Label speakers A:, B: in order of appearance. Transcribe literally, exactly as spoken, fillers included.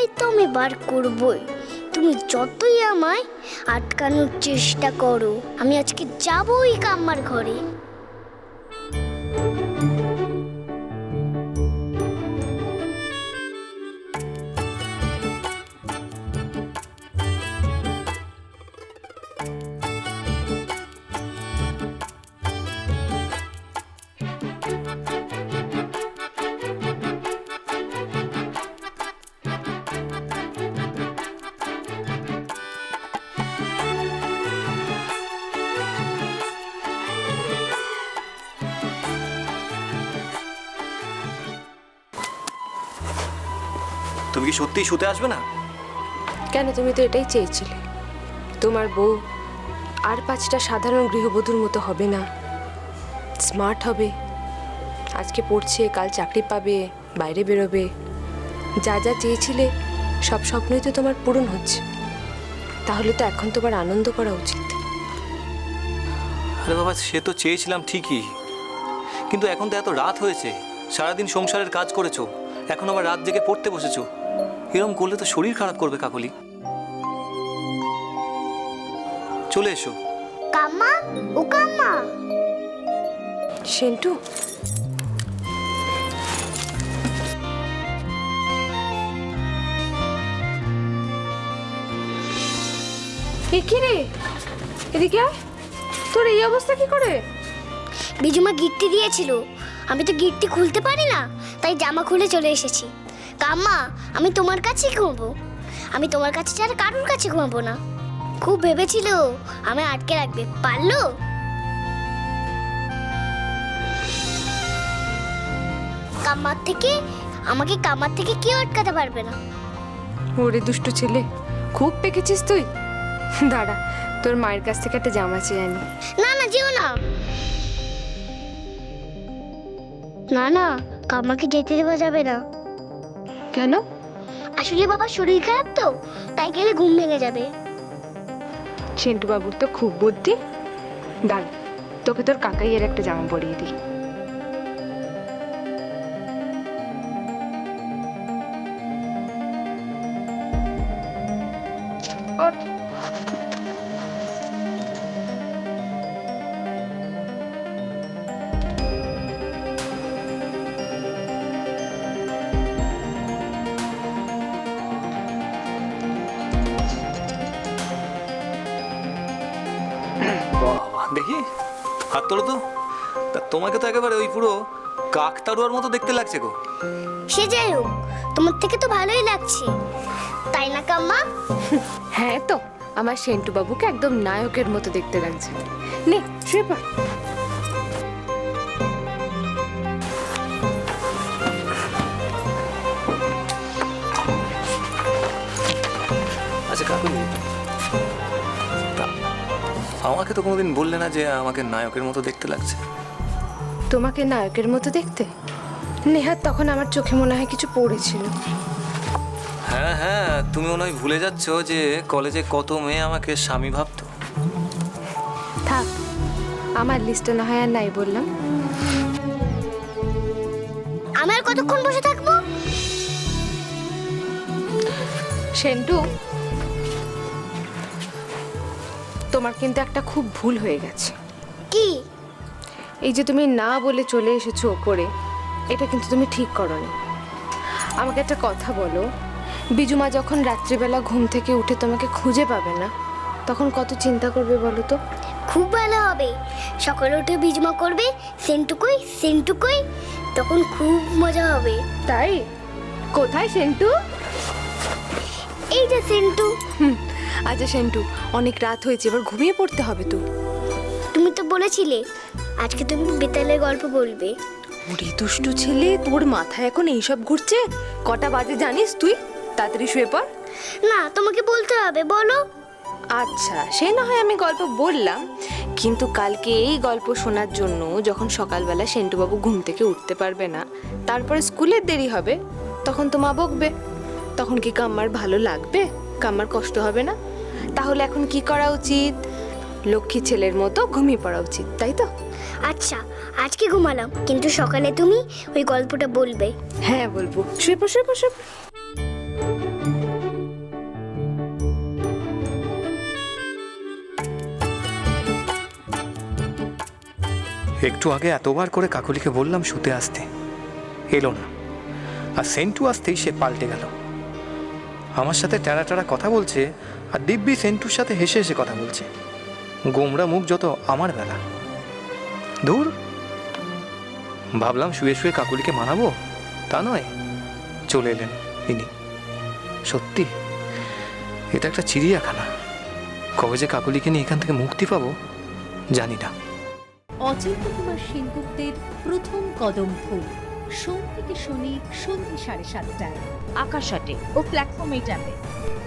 A: তো আমি বার করবই। তুমি যতই আমায় আটকানোর চেষ্টা করো, আমি আজকে যাবই কাম্মার ঘরে।
B: তুমি কি সত্যিই শুতে আসবে না?
C: কেন, তুমি তো এটাই চেয়েছিলে। তোমার বউ আর পাঁচটা সাধারণ গৃহবধূর মতো হবে না, স্মার্ট হবে। আজকে পড়ছে, কাল চাকরি পাবে, বাইরে বেরোবে। যা যা চেয়েছিলে সব স্বপ্নই তো তোমার পূরণ হচ্ছে। তাহলে তো এখন তোমার আনন্দ করা উচিত।
B: আরে বাবা, সে তো চেয়েছিলাম ঠিকই, কিন্তু এখন তো এত রাত হয়েছে, সারাদিন সংসারের কাজ করেছো, এখন আবার রাত জেগে পড়তে বসেছো। এরকম করলে তো শরীর খারাপ করবে কাকলি। চলে এসো।
A: কাম্মা, ও কাম্মা।
C: সেন্টু, এ কি রে, এদিকে আয়। তোর এই অবস্থা কি করে?
A: বিজুমা গিট্টি দিয়েছিল, আমি তো গিট্টি খুলতে পারি না, তাই জামা খুলে চলে এসেছি। কাম্মা, আমি তোমার কাছেই ঘুমাবো, আমি তোমার কাছে ছাড়া কারোর কাছে ঘুমাবো না। খুব ভেবেছিল আমি আটকে রাখবে, পারলো? কাম্মার থেকে আমাকে কাম্মার থেকে কেউ আটকাতে পারবে না।
C: ওরে দুষ্টু ছেলে, খুব পেকেছিস তুই। দাঁড়া, তোর মায়ের কাছ থেকে একটা জামা চেয়ে আনি।
A: না না, যেও না। না না, কাম্মাকে যেতে দেওয়া যাবে না।
C: কেন?
A: আসলে বাবার শরীর খারাপ তো, তাই গেলে ঘুম ভেঙে যাবে।
C: সেন্টু বাবুর তো খুব বুদ্ধি। দাঁড়া, তোকে তোর কাকাইয়ের একটা জামা পরিয়ে দিই।
B: বাবা, দেখি হাত তোলো তো। তা তোমাকে তো একেবারে ওই পুরো কাকতাড়ুয়ার মতো দেখতে লাগছে গো।
A: সে যাই হোক, তোমার থেকে তো ভালোই লাগছে, তাই না কাম্মা?
C: হ্যাঁ তো, আমার সেন্টু বাবুকে একদম নায়কের মতো দেখতে লাগছে। নে শুয়ে পড়।
B: আচ্ছা কাকুলি, তা আমাকে তো কোনোদিন বললে না যে আমাকে নায়কের মতো দেখতে লাগছে।
C: তোমাকে নায়কের মতো দেখতে? নেহাত তখন আমার চোখে মনে হয় কিছু পড়েছিল।
B: হ্যাঁ হ্যাঁ, তুমি মনে হয় ভুলে যাচ্ছ যে কলেজে কত মেয়ে আমাকে স্বামী ভাবতো।
C: থাক, আমার লিস্টে না হয় আর নাই বললাম।
A: আমি আর কতক্ষণ বসে থাকবো?
C: সেন্টু, তোমার কিন্তু একটা খুব ভুল হয়ে গেছে।
A: কি?
C: এই যে তুমি না বলে চলে এসেছো ওপরে, এটা কিন্তু তুমি ঠিক করোনি। আমাকে একটা কথা বলো, বিজুমা যখন রাত্রিবেলা ঘুম থেকে উঠে তোমাকে খুঁজে পাবে না, তখন কত চিন্তা করবে বলো তো?
A: খুব ভালো হবে, সকালে উঠে বিজমা করবে সেন্টুকুই সেন্টুকুই, তখন খুব মজা হবে।
C: তাই? কোথায় সেন্টু?
A: এই যে সেন্টু।
C: হুম, আচ্ছা সেন্টু, অনেক রাত হয়েছে, এবার ঘুমিয়ে পড়তে হবে তো।
A: তুমি তো বলেছিলে আজকে তুমি বেতালের গল্প বলবে।
C: ওরে দুষ্টু ছেলে, তোর মাথায় এখন এইসব ঘুরছে? কটা বাজে জানিস তুই? তাড়াতাড়ি শুয়ে পড়।
A: না, তোমাকে বলতে হবে, বলো।
C: আচ্ছা, সে না হয় আমি গল্প বললাম, কিন্তু কালকে এই গল্প শোনার জন্য যখন সকালবেলা সেন্টুবাবু ঘুম থেকে উঠতে পারবে না, তারপরে স্কুলের দেরি হবে, তখন তো মা বকবে। তখন কি কাম্মার ভালো লাগবে? কাম্মার কষ্ট হবে না? তাহলে এখন কি করা উচিত? লক্ষ্মী ছেলের মতো ঘুমিয়ে পড়া উচিত, তাই তো?
A: আচ্ছা, আজকে ঘুমালাম, কিন্তু সকালে তুমি ওই গল্পটা বলবে।
C: হ্যাঁ বলবো। শুয়ে পড়, শুয়ে পড়, শুয়ে পড়।
B: একটু আগে এতবার করে কাকুলিকে বললাম শুতে আসতে, এলো না। আর সেন্টু আসতেই সে পাল্টে গেল, আমার সাথে টেরা টেরা কথা বলছে, আর দিব্যি সেন্টুর সাথে হেসে হেসে কথা বলছে। গোমরা মুখ যত আমার বেলা। ধুর, ভাবলাম শুয়ে শুয়ে কাকুলিকে মানাবো, তা নয়, চলে এলেন ইনি। সত্যি এটা একটা চিড়িয়াখানা। কবে যে কাকুলিকে নিয়ে এখান থেকে মুক্তি পাবো জানি না।
D: অচিন্ত কুমার সেনগুপ্তের প্রথম কদম ফুল, সোম থেকে শনি সন্ধ্যে সাড়ে সাতটায়
E: আকাশ আটে ও প্ল্যাটফর্ম এইট অ্যাপে।